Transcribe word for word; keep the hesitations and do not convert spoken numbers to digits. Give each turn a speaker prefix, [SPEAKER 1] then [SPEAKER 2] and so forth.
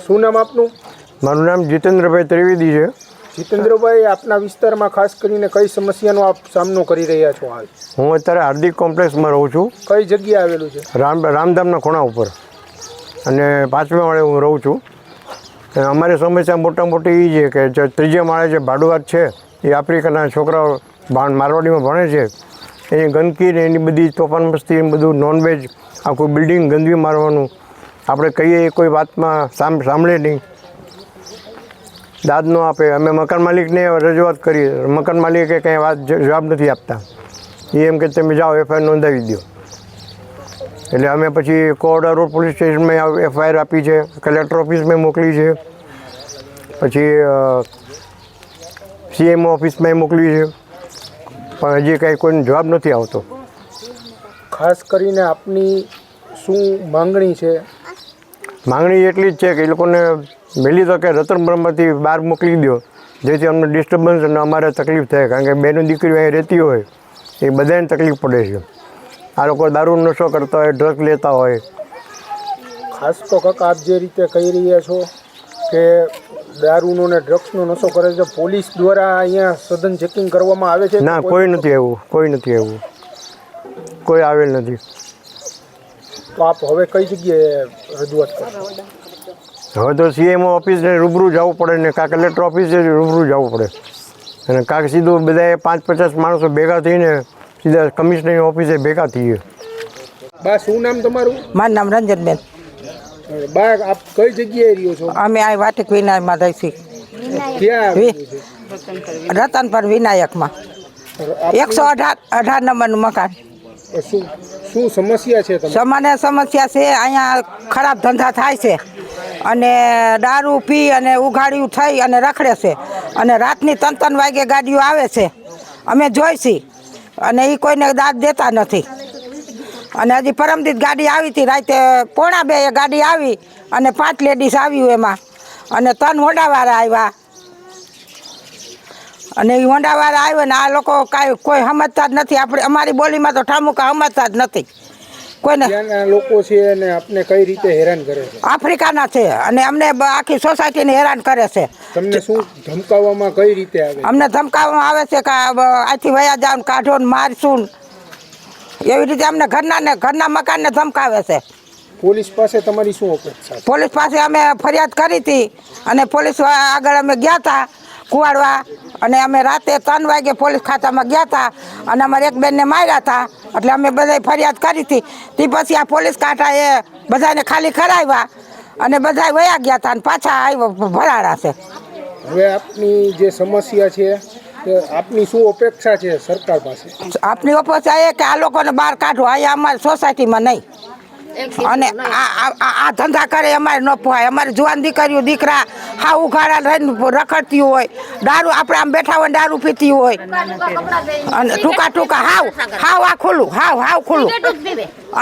[SPEAKER 1] શું નામ આપનું?
[SPEAKER 2] મારું નામ જીતેન્દ્રભાઈ ત્રિવેદી છે.
[SPEAKER 1] જીતેન્દ્રભાઈ, આપના વિસ્તારમાં ખાસ કરીને કઈ સમસ્યાનો આપ સામનો કરી રહ્યા છો હાલ?
[SPEAKER 2] હું અત્યારે હાર્દિક કોમ્પ્લેક્સમાં રહું છું.
[SPEAKER 1] કઈ જગ્યાએ આવેલું છે?
[SPEAKER 2] રામ રામધામના ખૂણા ઉપર અને પાંચમા માળે હું રહું છું. અને અમારી સમસ્યા મોટા મોટી એ છે કે જે ત્રીજા માળે જે ભાડુઆત છે એ આફ્રિકાના છોકરાઓ મારવાડીમાં ભણે છે, એની ગંદકી ને એની બધી તોફાન મસ્તી બધું નોનવેજ આખું બિલ્ડિંગ ગંદકી મારવાનું, આપણે કહીએ એ કોઈ વાતમાં સામ સાંભળે નહીં, દાદ ન આપે. અમે મકાન માલિકને રજૂઆત કરી, મકાન માલિકે કંઈ વાત જવાબ નથી આપતા. એ એમ કે તમે જાઓ એફઆઈઆર નોંધાવી દો. એટલે અમે પછી કોરડા રોડ પોલીસ સ્ટેશનમાં એફઆઈઆર આપી છે, કલેક્ટર ઓફિસમાં મોકલી છે, પછી સીએમઓ ઓફિસમાં મોકલી છે, પણ હજી કાંઈ કોઈને જવાબ નથી આવતો.
[SPEAKER 1] ખાસ કરીને આપની શું માંગણી છે?
[SPEAKER 2] માંગણી એટલી જ છે કે એ લોકોને વહેલી તકે રતન બ્રહ્મથી બહાર મોકલી દો, જેથી અમને ડિસ્ટર્બન્સ અને અમારે તકલીફ થાય. કારણ કે બેનો દીકરીઓ અહીં રહેતી હોય એ બધાને તકલીફ પડે છે. આ લોકો દારૂ નશો કરતા હોય, ડ્રગ લેતા હોય.
[SPEAKER 1] ખાસ તો કાકા, આપ જે રીતે કહી રહ્યા છો કે દારૂનો ને ડ્રગ્સનો નશો કરે છે, પોલીસ દ્વારા અહીંયા સઘન ચેકિંગ કરવામાં આવે છે?
[SPEAKER 2] ના, કોઈ નથી આવ્યું, કોઈ નથી આવ્યું, કોઈ આવેલ નથી.
[SPEAKER 1] તો આપ હવે કઈ જગ્યાએ રજૂઆત કરો?
[SPEAKER 2] હવે તો સીએમઓ ઓફિસે રૂબરૂ જવું પડે ને કાં કલેક્ટર ઓફિસે રૂબરૂ જવું પડે, અને કાંક સીધું બધાએ પાંચ પચાસ માણસો ભેગા થઈને સીધા કમિશનરની ઓફિસે ભેગા થઈએ.
[SPEAKER 1] બા, શું નામ તમારું?
[SPEAKER 3] મારું નામ રંજનબેન.
[SPEAKER 1] બા, આપ કઈ જગ્યાએ રહ્યો છો?
[SPEAKER 3] અમે આ વાટિક વિનાયકમાં રહીશું.
[SPEAKER 1] ક્યાં આવેલું છે?
[SPEAKER 3] રતનપર વિનાયકમાં એકસો અઢાર અઢાર નંબરનું મકાન.
[SPEAKER 1] શું શું સમસ્યા છે તમારી?
[SPEAKER 3] સામાન્ય સમસ્યા છે, અહીંયા ખરાબ ધંધા થાય છે અને દારૂ પી અને ઉઘાડિયું થઈ અને રખડે છે, અને રાતની ત્રણ ત્રણ વાગે ગાડીઓ આવે છે, અમે જોઈશી, અને એ કોઈને દાદ દેતા નથી. અને હજી પરમદીત ગાડી આવી હતી રાતે પોણા બે ગાડી આવી અને પાંચ લેડીઝ આવ્યું એમાં, અને ત્રણ હોન્ડાવાળા આવ્યા, અને એ હોન્ડાવાળા આવ્યા ને આ લોકો કાંઈ કોઈ સમજતા જ નથી. આપણે અમારી બોલીમાં તો ઠામુકા સમજતા જ નથી કોઈને.
[SPEAKER 1] ત્યાંના લોકો છે અને આપને કઈ રીતે હેરાન કરે છે?
[SPEAKER 3] આફ્રિકાના છે અને અમને આખી સોસાયટીને હેરાન કરે છે.
[SPEAKER 1] તમને શું ધમકાવવામાં કઈ રીતે આવે?
[SPEAKER 3] અમને ધમકાવવામાં આવે છે કે આથી વયા જાવ, કાઢો ને મારશું, એવી રીતે અમને ઘરના ને ઘરના મકાનને ધમકાવે છે.
[SPEAKER 1] પોલીસ પાસે તમારી શું અપેક્ષા?
[SPEAKER 3] પોલીસ પાસે અમે ફરિયાદ કરી હતી અને પોલીસ આગળ અમે ગયા હતા કુવાડવા, અને અમે રાતે ત્રણ વાગે પોલીસ ખાતામાં ગયા હતા અને અમારે એક બેનને માર્યા હતા, એટલે અમે બધાય ફરિયાદ કરી હતી. તે પછી આ પોલીસ કાંઠા એ બધાને ખાલી કરાવ્યા અને બધા વયા ગયા હતા અને પાછા આવ્યા ભરાડા છે.
[SPEAKER 1] હવે આપની જે સમસ્યા છે આપની શું અપેક્ષા છે સરકાર પાસે?
[SPEAKER 3] આપની અપેક્ષા એ કે આ લોકોને બહાર કાઢો, અહીંયા અમારી સોસાયટીમાં નહીં. અને આ આ ધંધા કરે અમારે ન પોહાય. અમારી જુવાન દીકરીઓ દીકરા હા ઉઘાડા રહીને રખડતી હોય, દારૂ આપણે આમ બેઠા હોય દારૂ પીતી હોય, અને ટૂંકા ટૂંકા હાવ હાવ આ ખુલ્લું હાવ હાવ ખુલ્લું.